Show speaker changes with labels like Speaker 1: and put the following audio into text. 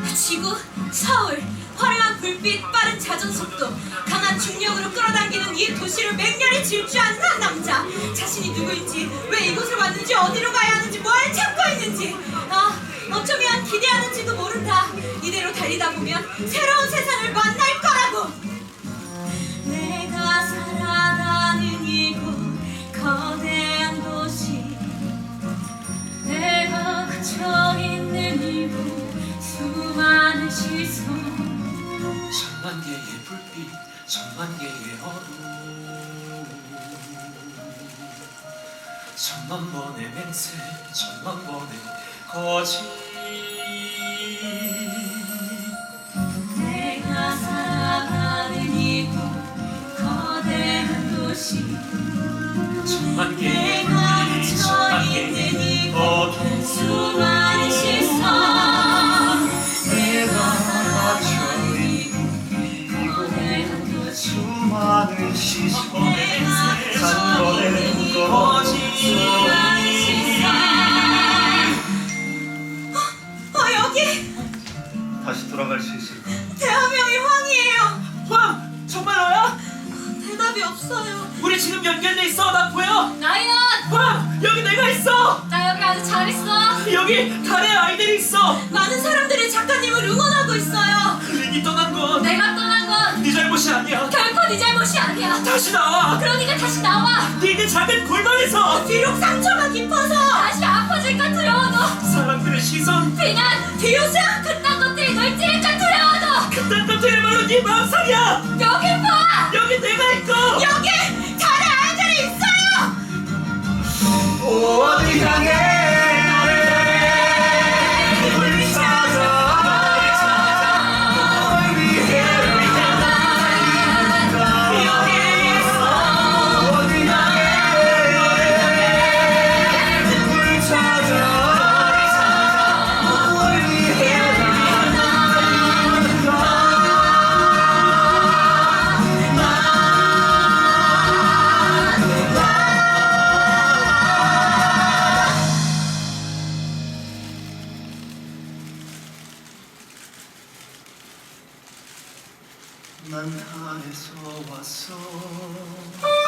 Speaker 1: 지구, 서울, 화려한 불빛, 빠른 자전 속도, 강한 중력으로 끌어당기는 이 도시를 맹렬히 질주하는 한 남자. 자신이 누구인지, 왜 이곳을 왔는지, 어디로 가야 하는지, 뭘 찾고 있는지, 어쩌면 기대하는지도 모른다. 이대로 달리다 보면 새로운 세상을 만날 거라고. 내가 살아가는 이곳, 거대한 도시, 내가 갇혀있는 이곳, 수많은 시선,
Speaker 2: 천만 개의 불빛, 천만 개의 어둠, 천만 번의 맹세, 천만 번의 거짓.
Speaker 1: 내가 살아가는 이곳, 거대한 도시,
Speaker 2: 천만 개의
Speaker 1: 내가
Speaker 2: 불빛, 천만
Speaker 1: 갇혀있는
Speaker 2: 개의
Speaker 1: 이곳,
Speaker 2: 어둠,
Speaker 1: 수많은 시선,
Speaker 2: 내가 갇혀있는
Speaker 1: 거대한 도시,
Speaker 3: 수많은 시선
Speaker 2: 단번의 거짓.
Speaker 1: 여기
Speaker 3: 다시 돌아갈 수 있을까?
Speaker 1: 대화명이 황이에요.
Speaker 2: 황! 정말 너야?
Speaker 1: 대답이 없어요.
Speaker 2: 우리 지금 연결돼 있어. 나 보여.
Speaker 1: 나연,
Speaker 2: 황! 여기 내가 있어.
Speaker 1: 나 여기 아주 잘 있어.
Speaker 2: 여기 달의 아이들이 있어.
Speaker 1: 많은 사람들이 작가님을 응원하고 있어요.
Speaker 2: 린이 떠난 건
Speaker 1: 내가 떠난 건
Speaker 2: 네 잘못이 아니야.
Speaker 1: 결코 네 잘못이 아니야.
Speaker 2: 다시 나와.
Speaker 1: 그러니까 다시 나와.
Speaker 2: 네게 작은 골방에서
Speaker 1: 비록 상처가 깊어서 다시 아파질까 두려워도,
Speaker 2: 사람들의 시선,
Speaker 1: 비난, 비웃음, 그딴 것들이 널 찌를까 두려워도,
Speaker 2: 그딴 것들이 바로 네 마음상이야.
Speaker 1: 여기 봐.
Speaker 2: 여기 내가 있고.
Speaker 1: 여기 달의 아이들이 있어요.
Speaker 3: 어디 향해 나를 불 찾아 널 위해 어디 향해 불 찾아 널 위해 난 달에서 왔어